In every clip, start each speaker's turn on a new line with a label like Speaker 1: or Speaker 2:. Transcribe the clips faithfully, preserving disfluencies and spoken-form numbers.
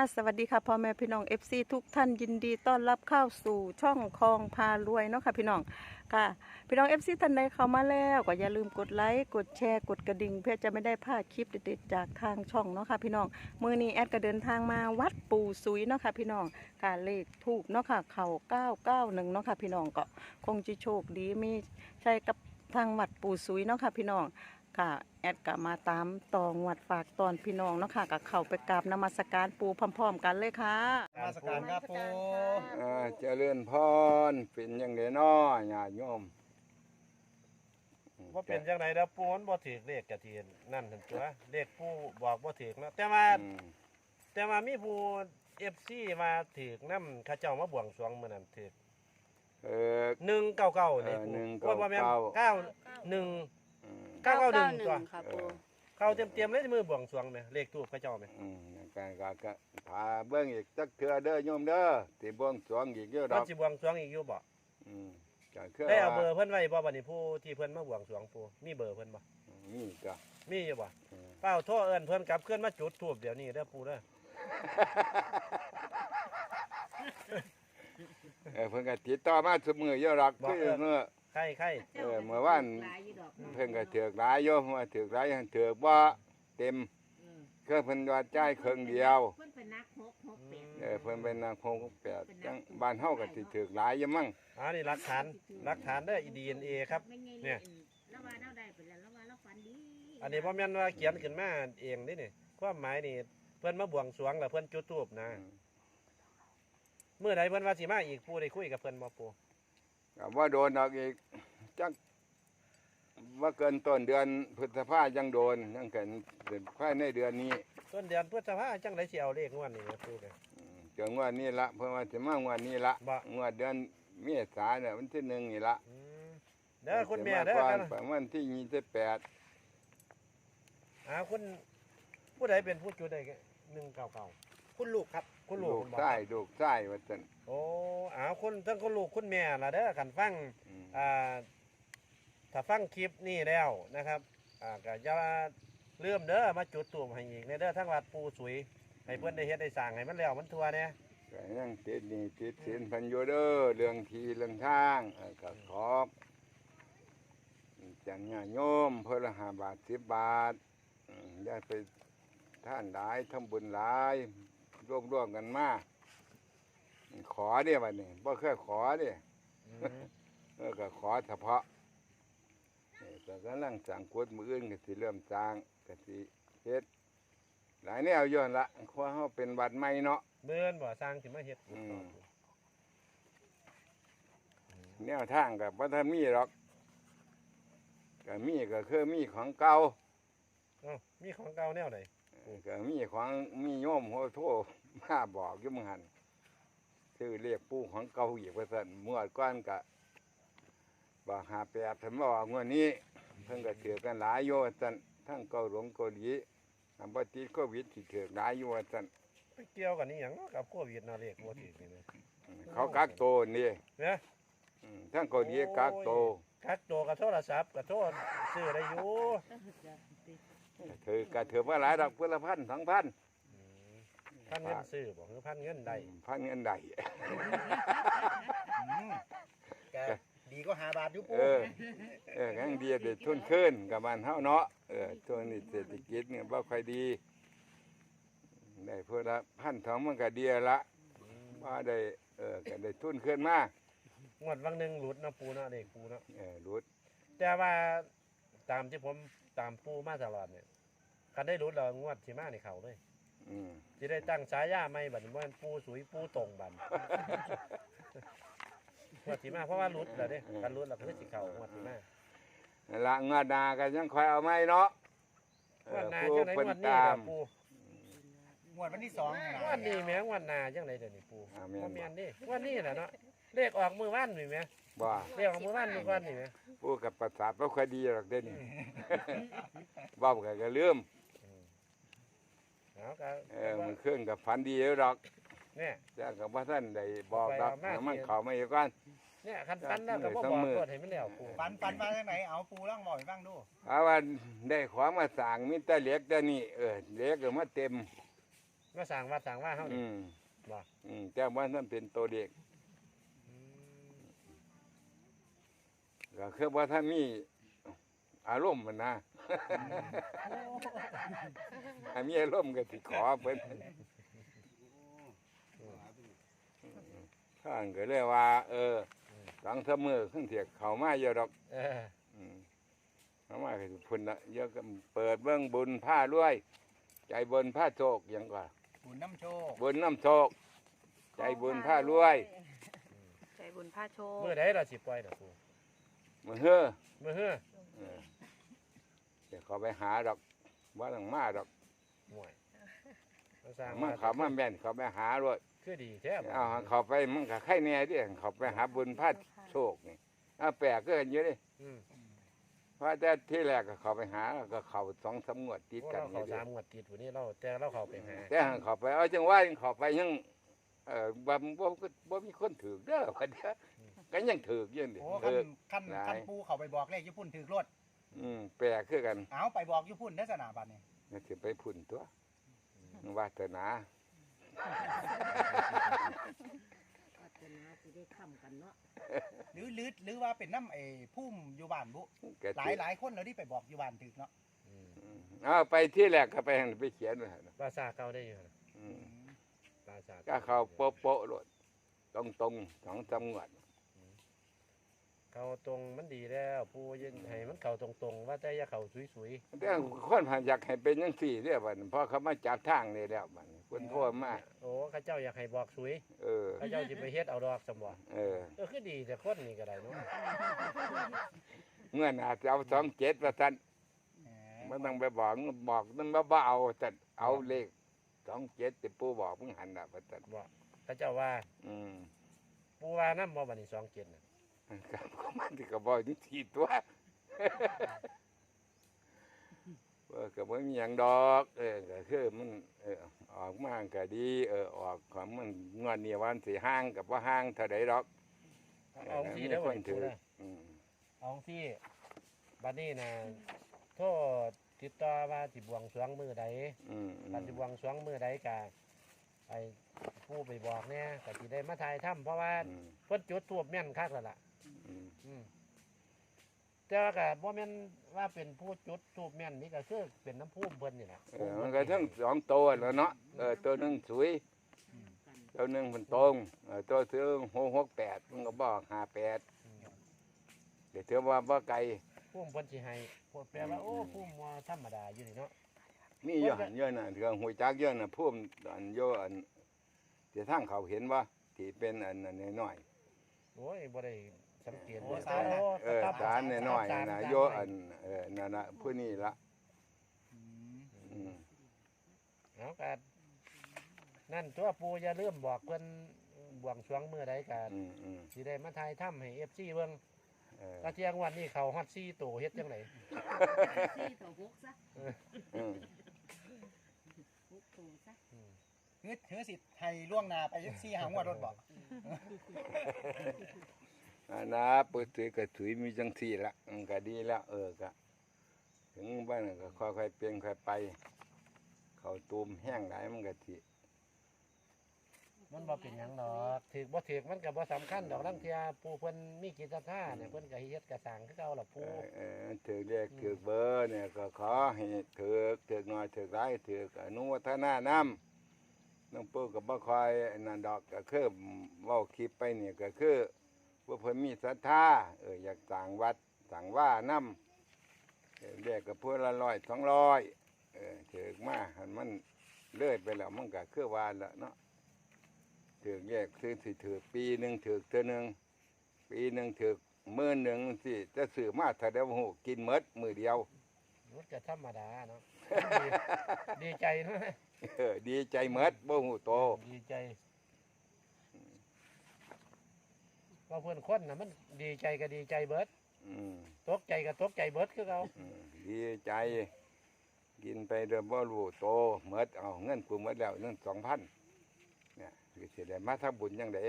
Speaker 1: สวัสดีค่ะพ่อแม่พี่น้อง เอฟ ซี ทุกท่านยินดีต้อนรับเข้าสู่ช่องคลองพารวยเนาะค่ะพี่น้องค่ะพี่น้อง เอฟ ซี ท่านใดเข้ามาแล้วก็อย่าลืมกดไลค์กดแชร์กดกระดิ่งเพื่อจะไม่ได้พลาดคลิปเด็ดๆจากทางช่องเนาะค่ะพี่น้องมื้อนี้แอดก็เดินทางมาวัดปู่ซุยเนาะค่ะพี่น้องค่ะเลขทูปเนาะค่ะเข่าเก้าเก้าหนึ่งเนาะค่ะพี่น้องก็คงจะโชคดีมีใช่กับทางวัดปู่ซุยเนาะค่ะพี่น้องค่ะแอดก็มาตามตองวัดฝากตอนพี่น้องเนาะค่ะกับเข้าไปกราบนมัสการปู่พร้อมๆกันเลยค่ะ
Speaker 2: นมาสการครับปู
Speaker 3: เอ่อเจริญพรเป็นยังไงน้อญาติโยม
Speaker 2: ว่าเป็นจังไดแล้วปูมันบ่ถือเลขกะทีนั่นถึงตัวเลขปูบอกบ่ถือนะแต่ว่า
Speaker 3: อืม
Speaker 2: แต่ว่ามีผู้ เอฟ ซี มาถือนำเขาเจ้ามาบวงสรวงมื้อนั้นถือ
Speaker 3: เออ
Speaker 2: หนึ่งเก้าเก้านี่
Speaker 3: เออ
Speaker 2: ปู
Speaker 3: หนึ่ง
Speaker 2: ว่าบ่แม่น
Speaker 3: เก้า
Speaker 2: เก้าหนึ่ง
Speaker 3: อืม
Speaker 2: เก้าเก้าหนึ่งตัว
Speaker 1: ค่ะ
Speaker 3: เอ
Speaker 1: ปู่
Speaker 3: อ
Speaker 2: เข้าเต็มๆเลยมือบวงสรวงแม่เลขทูปเขาเจ้าแม่
Speaker 3: อืมการก็ก็พาเบิ่งอีกจักเทื่อเด้อโยมเด้อที่บวงสรวงอีกเยอะด
Speaker 2: มั
Speaker 3: อน ก
Speaker 2: สิบวงสรวงอีกอยู่บ่
Speaker 3: อืมก็คือ
Speaker 2: ได้เอาเบอ
Speaker 3: ว่า
Speaker 2: ร์เพิ่นไว้บ่บัดนี้ผู้ที่เพิ่นมาบวงสรวงปูมีเบอร์เพิ่นบ่
Speaker 3: นี่ก็
Speaker 2: มีอยู่บ่
Speaker 3: เออ
Speaker 2: เป้าโทรเอิ้นเพิ่นกลับเคลื่อนมาจุดทูบเดี๋ยวนี้เด้อปูเด้อ
Speaker 3: เออเพิ่นก็ติดต่อมาซุมื้อเยอะดอกคือเมื่อ
Speaker 2: ใครใคร
Speaker 3: เออเมื่อวานเพิ่นก็ถือกหลายอยู่ว่าถือกหลายหันถือกบ่เต็มคือเพิ่นว่าจ่ายครึ่งเดียว
Speaker 4: เพิ่นเป็นนักหกหกแปด
Speaker 3: เออเพิ่นเป็นนางคงแปดจังบ้านเฮาก็สิถือกหลายอยู่มั้ง
Speaker 2: อ่านี่หลักฐานหลักฐานเด้อ ดี เอ็น เอ ครับ
Speaker 4: ไม่ไง
Speaker 2: เนี่ย
Speaker 4: แล้วว่าเราได้ไปแล้วแล้วว่าเราฝันดี
Speaker 2: อันนี้พ่อแม่นว่าเขียนขึ้นมาเองนี่นี่ความหมายนี่เพื่อนมาบวงสรวงแล้วเพื่อนจุดธูปนะเมื่อใดเพื่อนว่าสิมาอีกปูได้คุยกับเพื่อนบ่ปู
Speaker 3: ก็ว่าโดนดอกอีกจักว่าเกินต้นเดือนพฤษภายังโดนยังเกินภายในเดือนนี้
Speaker 2: ต้นเดือนพฤษภาจังไดสิเอาเลขงวดนี้แม่ปูเด้อ
Speaker 3: อืมเจองวดนี้ละเพิ่นว่าสิมางวดนี้ละ
Speaker 2: บ่
Speaker 3: งวดเดือนเมษาเนี่ยวันที่หนึ่งนี่ละ
Speaker 2: อืมเด้อคุณแม่เด้อ
Speaker 3: สิา
Speaker 2: กั
Speaker 3: ก่อน นประมาณที่ยี่สิบแปด
Speaker 2: อ่าคุณผู้ใดเป็นผู้จุดได้หนึ่งเก้าเก้าคุณลูกครับ คุณลู
Speaker 3: ลู
Speaker 2: ก
Speaker 3: ก
Speaker 2: คุณบอก
Speaker 3: ไส้ลูกไส้ว่าซั่น
Speaker 2: โอ้อ้าวคุณทั้งคุณลูกคุณแม่ล่ะเด้อกันฟัง
Speaker 3: อืม
Speaker 2: อ่าถ้าฟังคลิปนี่แล้วนะครับอ่าก็อย่าลืมเด้อมาจุดตูมให้อีกในเด้อทั้งวัดปูสุยให้เพื่อนได้เฮ็ดได้สั่งให้มันแล้วมันทั่วเนี่ย
Speaker 3: ก็ยังติดหนี่ติดสินเพันอยู่เด้อเรื่องที่เรื่องทางเออก็ขอจังญาติโยมเพิ่นละห้าบาทสิบบาทอืมอย่าไปท่านหลายทำบุญหลายร่วมร่วมกันมาขอเด้บัดนี้บ่เคยขอเด้
Speaker 2: อืม
Speaker 3: เออก็ขอเฉพาะเออก็กำลังสั่งกวดมืออื่นก็สิเริ่มสร้างก็สิเฮ็ดหลายแนวย้อนละเพราะเฮาเป็นวัดใหม่เนาะ
Speaker 2: เบิ่นบ่สร้างสิมาเฮ็ดกุฏิ
Speaker 3: อืม แนวทางก็บ่ทันมีหรอกก็มีก็คือมีของเก่า
Speaker 2: เอ้ามีของเก่าแนวใด
Speaker 3: เออก็มีของมีโยมโหโทรมาบอกอยู่มื้อหั่นชื่อเรียกปู่ของเก่าอีกว่าซั่นเมื่อก่อนก็บอกหาแปดเพิ่นบอกงวดนี้เพิ่นก็ถือกันหลายอยู่ว่าซั่นทั้งเกาหลงเกาหลีอันบ่ติดโควิดสิถือหลายอยู่ว่าซั่น
Speaker 2: ไปเกี่ยวกันนี่หยังเนาะกับโควิดเนาะเลขบ่ถูกนี่นะ
Speaker 3: เขากักโตวนี่
Speaker 2: เนี่ย
Speaker 3: อืมทั้งเกาหลีกักโตว
Speaker 2: คักโตกับโทรศัพท์กับโทรซื้อได้อยู่
Speaker 3: ถือก็ถือว่าหลายดอกเพื่อละพันสองพัน
Speaker 2: อืมพันเงินซื้อบ่คือพันเงินได้
Speaker 3: พันเงินใด
Speaker 5: แกดีก็หาบาทอยู่ปู
Speaker 3: เออ เออยังดีเด็ดทุนขึ้นกับบ้านเฮาเนาะ เออช่วงนี้เศรษฐกิจเนี่ยบ่ค่อยดี ได้เพื่อละพันสองมันก็ดีละว่าได้ เออก็ได้ทุนขึ้นมาง
Speaker 2: วดวังหนึงหลุดเนาะปูเนาะเลขปูเนาะ
Speaker 3: เออรุด
Speaker 2: แต่ว่าตามที่ผมตามปูมาตลอดเนี่ยคันได้หลุดแล้วงวดสิมานี่เข้าเลย
Speaker 3: อืม
Speaker 2: สิได้ตั้งฉายาใหม่บัดนี้ว่าปูสุยปูตรงบัด งวดสิมาเพราะว่าหลุดแล้วเด้คันหลุดแล้วก็คือสิเข้างวดสิมา
Speaker 3: นั่นละงวดหนาก็ยังคอยเอาไม้เนาะเอง
Speaker 2: ว
Speaker 3: อ
Speaker 2: ดหน้า
Speaker 3: ผู้
Speaker 2: จังได๋
Speaker 3: เพิ่น
Speaker 2: งวดนี้
Speaker 3: ตา
Speaker 2: ล่ะ
Speaker 3: ม
Speaker 2: ปู
Speaker 5: งวดวันที่สองนี่
Speaker 2: งวดนี้แหม่งวดหน้าจังได๋เดี๋ยวนี้ปู
Speaker 3: อ่าแม่นบ่
Speaker 2: บ่แม่นเดิงวดนี้แหละเนาะเลขออกมื้อวานนี่แหม
Speaker 3: บ่
Speaker 2: เลขออกมื้อวานมื้อก่อนนี่แหม
Speaker 3: ผู้กับประสาทบ่ค่อยดีหรอกเด้นี่ เว้าก็ก็ลืม
Speaker 2: เอาก็
Speaker 3: เออมันขึ้นกับฝันดีแล้วดอก
Speaker 2: เนี่ย
Speaker 3: จ้ากับว่าท่านได้บอกดอก
Speaker 2: ไปเอามา
Speaker 3: มันเข้ามาอีกก่อน
Speaker 2: เนี่ยคันฟันแล้วก็บ่
Speaker 3: ทั้
Speaker 2: บ
Speaker 3: ง
Speaker 2: อก
Speaker 3: มือ
Speaker 2: กดให้มันแล้วปู
Speaker 5: ปันปันมาจากไหนเอาปูร่างบ่อยบ้างดู
Speaker 3: เอาว่าได้ของมาสั่งมีแต่เหล็กแต่นี่เออเหล็กก็มาเต็ม
Speaker 2: มาสั่งวัดสั่งว่าเฮา
Speaker 3: อื
Speaker 2: นี่
Speaker 3: ม
Speaker 2: บ่
Speaker 3: อืมแต่ว่านั่นเป็นตัวเด็ก
Speaker 2: อืม
Speaker 3: ก็คือว่าถ้ามีอารมณ์มันนะ ถ้ามีอารมณ์ก็สิขอเพิ่นข้างก็เลยว่า เออหลังเสมอขึ้นเถียกเขามาเยอะดอก
Speaker 2: เออ
Speaker 3: อืมเขามาคือพุ่นละเยอะก็เปิดเบื้องบุญผ้ารวย ใจบุญผ้าโชคอยังกว่า
Speaker 5: บุญน้ำโชค
Speaker 3: บุญน้ำโชค ใจบุญผ้ารวย
Speaker 1: ใจบุญผ้าโชค
Speaker 2: มื้อใดเราสิปล่อยน่ะปู
Speaker 3: มือเฮ้อ
Speaker 2: มื้อเฮ้อ
Speaker 3: เออเดี๋ยวเขาไปหาดอกว่าหลังมาดอก
Speaker 2: ห่วยมาสั่ง
Speaker 3: มาเขามาแม่นเขาไปหาด้วย
Speaker 2: คือดีแท้บ่
Speaker 3: เอาเขาไปมันก็ไข่แน่ดิเขาไปหาบุญผ้าโชคนี่เอาแปลกก็เห็นอยู่ดิ
Speaker 2: อืม
Speaker 3: เพราะแต่ที่แรกก็เขาไปหาแล้วก็เขาสองสามงวดติด
Speaker 2: โอ้
Speaker 3: กัน
Speaker 2: เรา
Speaker 3: อ
Speaker 2: เข้า
Speaker 3: ยู่ดิ
Speaker 2: สามงวดติดผู้นี้เราแต่เราเข้าไปหา
Speaker 3: แต่หั้นเขาไปเอาจังว่าเขาไปยังเออบ่บ่บ่บ่มีคนถือเด้อว่าเด้อก็ยังถืออยู่ดิ
Speaker 5: โอ้คั
Speaker 3: ถื
Speaker 5: น
Speaker 3: อ
Speaker 5: คัน
Speaker 3: หลาย
Speaker 5: คันปูเขาไปบอกเลขญี่ปุ่นถือรถ
Speaker 3: อืมแปลกคือกัน
Speaker 5: เอาไปบอกญี่ปุ่นได้สนาบัตนี่
Speaker 3: ก็สิไปพุ่นตัววาสนา
Speaker 4: ก็จะนาสิได้ค้ำกันเนาะ
Speaker 5: หรือหรือหรือว่าเป็นน้ำไอ้พุ่มอยู่บ้านบุ
Speaker 3: ก็
Speaker 5: หลายหลายคนเราที่ไปบอกอยู่บ้านถือเนาะ
Speaker 2: อืม
Speaker 3: อืมเอาไปที่แรกก็ไปหั่นไปเขียนไว้หั่นน่ะ
Speaker 2: ภาษาเก่าได้อยู่นะ
Speaker 3: อืม
Speaker 2: ภาษา
Speaker 3: ก็เขาโป๊ะโป๊ะโลดตรงตรงๆสองสามงวด
Speaker 2: เขาตรงมันดีแล้วปูยินให้มันเข้าตรงๆว่าแต่อย่าเข้าสวย
Speaker 3: แต่คนผ่านอยากให้เป็นจังซี่เด้อบัดนี้เพราะเขามาจับทางนี่แล้วบัดนี้คนโทั่วมา
Speaker 2: ๆโอ้เข้าเจ้าอยากให้บอกสวย
Speaker 3: เออ
Speaker 2: เข้าเจ้าสิไปเฮ็ดเอาดอกสมบ่
Speaker 3: เออ
Speaker 2: เออคือดีแต่คนนี่ก็ได้เนาะ
Speaker 3: เมื่อน่าจะเอาสองเจ็ดว่าซั่น
Speaker 5: แห
Speaker 3: มันต้องไปบอกบอกมันบ่บ่เอาแต่เอาเลขสองเจ็ดที่ปู่บอกมึงหันน่ะว่าซั่น
Speaker 2: บอกเข้าเจ้าว่า
Speaker 3: อืม
Speaker 2: ปูว่านำบ่บัดนี้สองเจ็ดน่ะ
Speaker 3: ครับก็มันที่ก็บอกจังซี่ตัว เออก็บ่มีหยังดอกเออก็คือมันเออออกมาก็ดีเออออกของมันงวดนี้วันสิห่างกับว่าห่างเท่าใดดอก
Speaker 2: เอาที่เด้อ
Speaker 3: ค
Speaker 2: บัด
Speaker 3: น
Speaker 2: นี้
Speaker 3: ถื
Speaker 2: ปู
Speaker 3: อ
Speaker 2: เด้อ
Speaker 3: อืม
Speaker 2: เอาที่บัดนี้น่ะโทษติดต่อว่าสิบวงสรวงมื้อใด
Speaker 3: อืมอืม
Speaker 2: บัดสิบวงสรวงมื้อใดก็ไอ้ผู้ไปบอกเนี่ยก็สิได้มาถ่ายถ้ำเพราะว่า
Speaker 3: อืม
Speaker 2: เพิ่นจุดทูบแม่นคักแล้วล่ะ
Speaker 3: อืม
Speaker 2: อืมแต่ว่าก็บ่แม่นว่าเป็นผู้จุดทูบแม่นนี่ก็คือเป็นน้ำพุ่มเพิ่นนี่แหละ
Speaker 3: เออมันก็ทั้งสองตัวแล้วเนาะเออตัวหนึงสวย
Speaker 4: กัน
Speaker 3: ตัวหนึงมันตรงเออตัวซื้อหกหกแปดมันก็บอกห้าแปด
Speaker 2: อืม
Speaker 3: เดี๋ยวเธอว่าบ่ไกล
Speaker 2: พุ่มเพิ่นสิให้พวกแปลว่าโอ้พุ่มว่าธรรมดาอยู่นี่เนาะ
Speaker 3: มีเยอะหันเยอะน่ะเรื่องหวยจักเยอะน่ะพุ่มอันโยอันเดี๋ยวทางเขาเห็นว่าที่เป็นอันนั้นน้อย
Speaker 2: โอ้ยบ่ได้สังเกต
Speaker 5: โอ้
Speaker 2: เลย
Speaker 5: สารนะ
Speaker 3: ๆเออสารน้อยๆน่ะโยอันเออนั่นน่ะผู้นี้ละ
Speaker 5: อืม
Speaker 3: อืม
Speaker 2: เอาก็นั่นตัวปูอย่าลืมบอกเพิ่นบวงสรวงมื้อใดก็
Speaker 3: อืมอืม
Speaker 2: สิได้มาถ่ายถ้ำให้ เอฟ ซี เบิ่ง
Speaker 3: เออ
Speaker 2: กระเทียงวันนี้เขาฮอดสี่ตัวเฮ็ดจังได
Speaker 4: สี่ต่อหกซะ
Speaker 3: อืม
Speaker 4: หกตัวซะ
Speaker 5: เฮ้ยถือสิทธิ์ให้ล่วงหน้าไปซี่หางวดรถบอก
Speaker 3: อันนะเปิดถือก็ถือมีจังสี่ละมันก็ดีแล้วเออก็ถึงบ้านก็ค่อยๆเปลี่ยนค่อยไป เขาตูมแห้งหลายมันก็สิ
Speaker 2: มันบ่เป็นหยังดอกถือบ่ถือมันก็บ่สำคัญดอกลังเทียผู้เพิ่นมีกิจท่าเนี่ยเพิ่นก็เฮ็ดกระสังคือเก่าล่ะ
Speaker 3: เอ
Speaker 2: ผู้
Speaker 3: อเออถือเรียกถือเบอร์เนี่ยก็ขอให้ถือถือน้อยถือหลายถืออนุวัฒนานำน้องปู่ก็บ่ค่อยนั่นดอกก็คือเว้าคลิปไปเนี่ยก็คือว่าเพิ่นมีศรัทธาเอออยากสร้างวัดสร้างว่านำเออเรียกก็เพื่อละร้อยสองร้อยเออถือมาหันมันเลื่อยไปแล้วมันก็คือว่าละเนาะถือแยกซื้อสิถือปีหนึงถือเทื่อหนึงปีหนึงถือมื้อหนึงสิจะซื้อมาถ้าได้บ่ฮู้กินหมดมื้อเดียว
Speaker 2: มันก็ธรรมดาเนาะ ดีดีใจเนาะ
Speaker 3: เออดีใจหมดบ่ฮู้โต
Speaker 2: ดีใจว่าเพิ่นคนน่ะมันดีใจก็ดีใจเบิด
Speaker 3: อืม
Speaker 2: ตกใจก็ตกใจเบิดคือเก่า
Speaker 3: อืมดีใจ กินไปเด้อบ่รู้โตหมดเอาเงินกูหมดแล้วเงินสองพันเนี่ยคือสิได้มาทำบุญจังได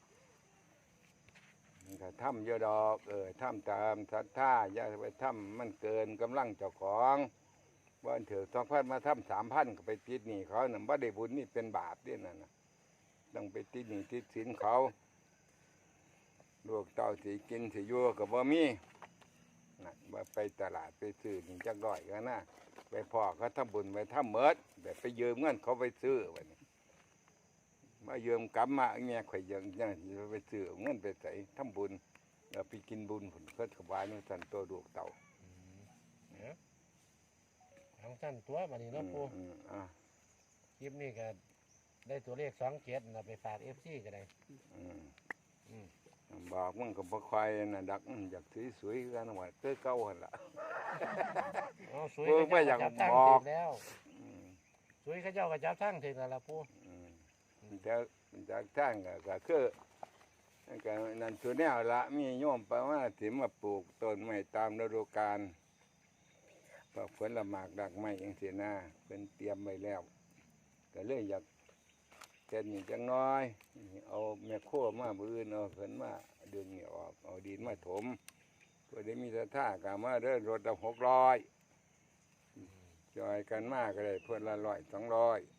Speaker 3: มันก็ทำเยอะดอกเออทำตามศรัทธาอย่าไปทำมันเกินกำลังเจ้าของบ้านเถอะสองพันมาทำสามพันก็ไปติดหนี้เขาน่ะบ่ได้บุญนี่เป็นบาปเด้นั่นน่ะต้องไปติดหนี้ติดสินเขาลูกเต้าสิกินสิอยู่ก็บ่มีน่ะว่าไปตลาดไปซื้อนี่จักร้อยก็นะไปพ่อเขาทำบุญไปทำเมิดแบบไปยืมเงินเขาไปซื้อบัดนี้มายืมกลับมาแม่ข่อยยังยังสิไปซื้อเอาเงินไปใส่ทำบุญแล้วไปกินบุญผลเพิ่นถวายนู่นสั่นตัวลูกเต้า
Speaker 2: เนี่ยทางสั้นตัวบัดนี้เนาะปู
Speaker 3: อืมอ่า
Speaker 2: คลิปนี้ก็ได้ตัวเลขสองเจ็ดนะไปฝากเอฟซีก็ได้
Speaker 3: อืม
Speaker 2: อืม
Speaker 3: บอกมันก็บ่ค่อยน่ะดักอืมอยากสวยๆกันว่าเต้อเก่าหั่นล่ะ
Speaker 2: เอาสวย
Speaker 3: ปูไม่อยาก
Speaker 2: จับทั้ง
Speaker 3: บอก
Speaker 2: ถึงแล้ว
Speaker 3: อืม
Speaker 2: สวยเขาเจ้าก็จับทั้งถึงแล้วล่ะปู
Speaker 3: อืมแต่จากทางก็ก็คือก็นั่นตัวแนวละมีโยมไปว่าสิมาปลูกต้นไม้ตามฤดูกาลปลูกผลหมากดอกไม้จังซี่นะเป็นเตรียมไว้แล้ว ก็เลยอยากเจ็ดนี่จังน้อย เอาแม่โคมาบืนเอาเพิ่นมาดึงนี่ออกเอาดินมาถมเพื่อได้มีสถากามาเดินรถละหกร้อยจอยกันมากก็ได้เพื่อนละร้อยสองร้อย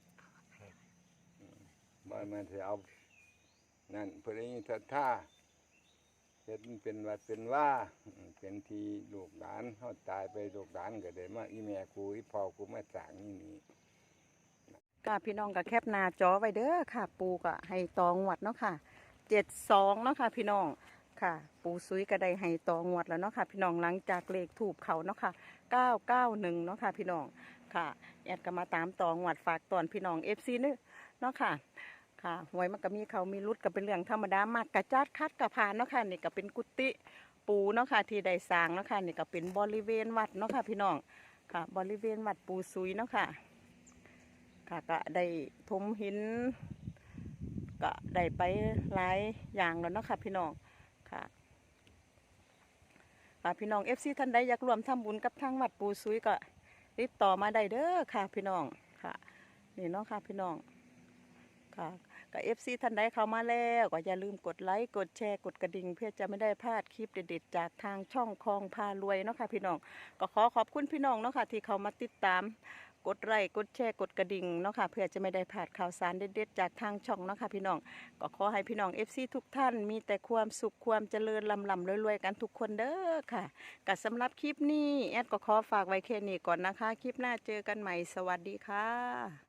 Speaker 3: บ้านมันจะเอานั่นเพื่อได้มีสถาเฮ็ดมันเป็นวัดเป็นว่าเป็นทีลูกหลานเขาตายไปลูกหลานก็ได้มาอีแม่กูอีพ่อกูมาสร้างนี่นี่
Speaker 1: ก็พี่น้องก็แคปหน้าจอไว้เด้อค่ะ ปูก็ให้ตองวดเนาะค่ะเจ็ดสองเนาะค่ะพี่น้องค่ะ ปูซุยก็ได้ให้ตองวดแล้วเนาะค่ะพี่น้องหลังจากเลขถูกเขาเนาะค่ะเก้าเก้าหนึ่งเนาะค่ะพี่น้องค่ะแอดก็มาตามตองวดฝากตอนพี่น้องเอฟซีนึเนาะค่ะค่ะหวยมันก็มีเขามีรุดก็เป็นเรื่องธรรมดามากกระจัดคัดกระพานเนาะค่ะนี่ก็เป็นกุฏิปูเนาะค่ะที่ได้สร้างเนาะค่ะนี่ก็เป็นบริเวณวัดเนาะค่ะพี่น้องค่ะบริเวณวัดปูซุยเนาะค่ะค่ะก็ได้ทมหินก็ได้ไปหลายอย่างแล้วเนาะค่ะพี่น้องค่ะค่ะพี่น้องเอฟซีท่านใดอยากรวมทำบุญกับทางวัดปูซุยก็ติดต่อมาได้เด้อค่ะพี่น้องค่ะนี่เนาะค่ะพี่น้องค่ะกับเอฟซีท่านใดเข้ามาแล้วก็อย่าลืมกดไลค์กดแชร์กดกระดิ่งเพื่อจะไม่ได้พลาดคลิปเด็ดๆจากทางช่องคลองพารวยเนาะค่ะพี่น้องก็ขอขอบคุณพี่น้องเนาะค่ะที่เขามาติดตามกดไลค์กดแชร์กดกระดิ่งเนาะค่ะเพื่อจะไม่ได้พลาดข่าวสารเด็ดๆจากทางช่องเนาะค่ะพี่น้องก็ขอให้พี่น้องเอฟซีทุกท่านมีแต่ความสุขความเจริญลำลำรวยๆกันทุกคนเด้อค่ะก็สำหรับคลิปนี้แอดก็ขอฝากไว้แค่นี้ก่อนนะคะคลิปหน้าเจอกันใหม่สวัสดีค่ะ